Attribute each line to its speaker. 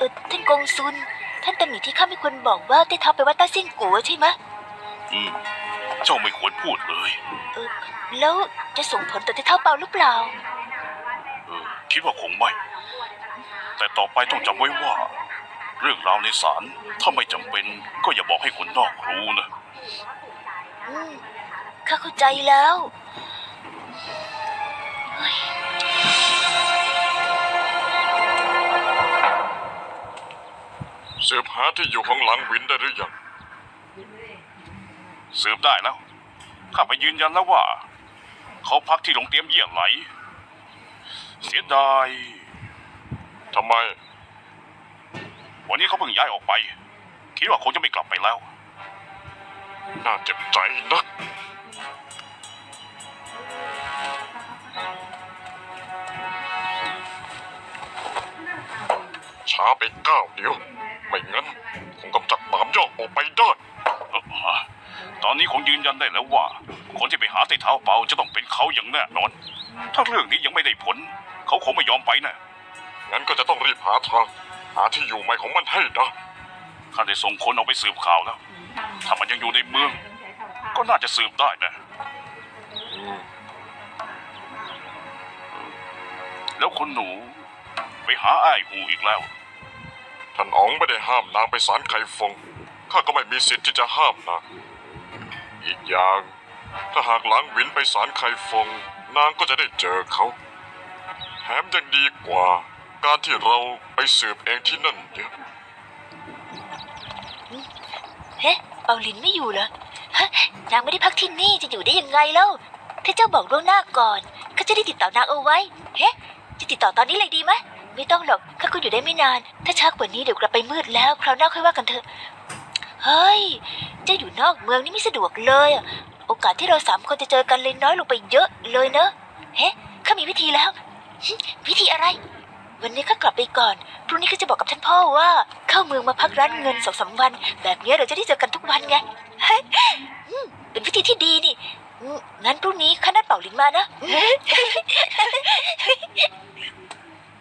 Speaker 1: ท่านกงซุนท่านตำหนิที่ข้าไม่ควรบอกว่าได้ท้าไปว่าต้าเซี่ยงกัวใช่ไหม
Speaker 2: เจ้าไม่ควรพูดเลย
Speaker 1: แล้วจะส่งผลต่อเท้าเปาหรือเปล่า
Speaker 2: คิดว่าคงไม่แต่ต่อไปต้องจำไว้ว่าเรื่องราวในศาลถ้าไม่จำเป็นก็อย่าบอกให้คนนอกรู้นะ
Speaker 1: ข้าเข้าใจแล้ว
Speaker 3: สืบหาที่อยู่ของหลังวินได้หรือยัง
Speaker 2: สืบได้แล้วข้าไปยืนยันแล้วว่าเขาพักที่โรงเตรียมเยี่ยไหลเสียดาย
Speaker 3: ทำไม
Speaker 2: วันนี้เขาเพิ่งย้ายออกไปคิดว่าคงจะไม่กลับไปแล้ว
Speaker 3: น่าเจ็บใจนักช้าไปก้าวเดียวไม่งั้นคงกำจัดหมามยอกออกไปได้
Speaker 2: ตอนนี้คงยืนยันได้แล้วว่าคนที่ไปหาไต่เท้าเปาจะต้องเป็นเขาอย่างแน่นอนถ้าเรื่องนี้ยังไม่ได้ผลเขาคงไม่ยอมไปนะ
Speaker 3: งั้นก็จะต้องรีบหาทางหาที่อยู่ใหม่ของมันให้ได้
Speaker 2: ข้าได้ส่งคนเอาไปสืบข่าวแล้วถ้ามันยังอยู่ในเมืองก็น่าจะสืบได้นะแล้วคนหนูไปหาอ้ายหูอีกแล้ว
Speaker 3: ท่านอ๋องไม่ได้ห้ามนางไปศาลไคฟงข้าก็ไม่มีสิทธิ์ที่จะห้ามนางอีกอย่างถ้าหากหลังวินไปศาลไคฟงนางก็จะได้เจอเขาแถมยังดีกว่าการที่เราไปสืบเองที่นั่นเยอะ
Speaker 1: เฮ้เปาลินไม่อยู่เหรอนางไม่ได้พักที่นี่จะอยู่ได้ยังไงเล่าถ้าเจ้าบอกล่วงหน้าก่อนข้าจะได้ติดต่อนางเอาไว้เฮ้จะติดต่อตอนนี้เลยดีไหมไม่ต้องหรอกข้าก็อยู่ได้ไม่นานถ้าช้ากว่านี้เดี๋ยวกลับไปมืดแล้วคราวหน้าค่อยว่ากันเถอะเฮ้ยเจ้าอยู่นอกเมืองนี่ไม่สะดวกเลยโอกาสที่เรา3 คนจะเจอกันเลยน้อยลงไปเยอะเลยเนอะเฮ้ข้ามีวิธีแล้ววิธีอะไรวันนี้ข้ากลับไปก่อนพรุ่งนี้ข้าจะบอกกับท่านพ่อว่าเข้าเมืองมาพักร้านเงิน2-3 วันแบบนี้เราจะได้เจอกันทุกวันไงเป็นวิธีที่ดีนี่งั้นพรุ่งนี้ข้านัดเป่าหลินมานะ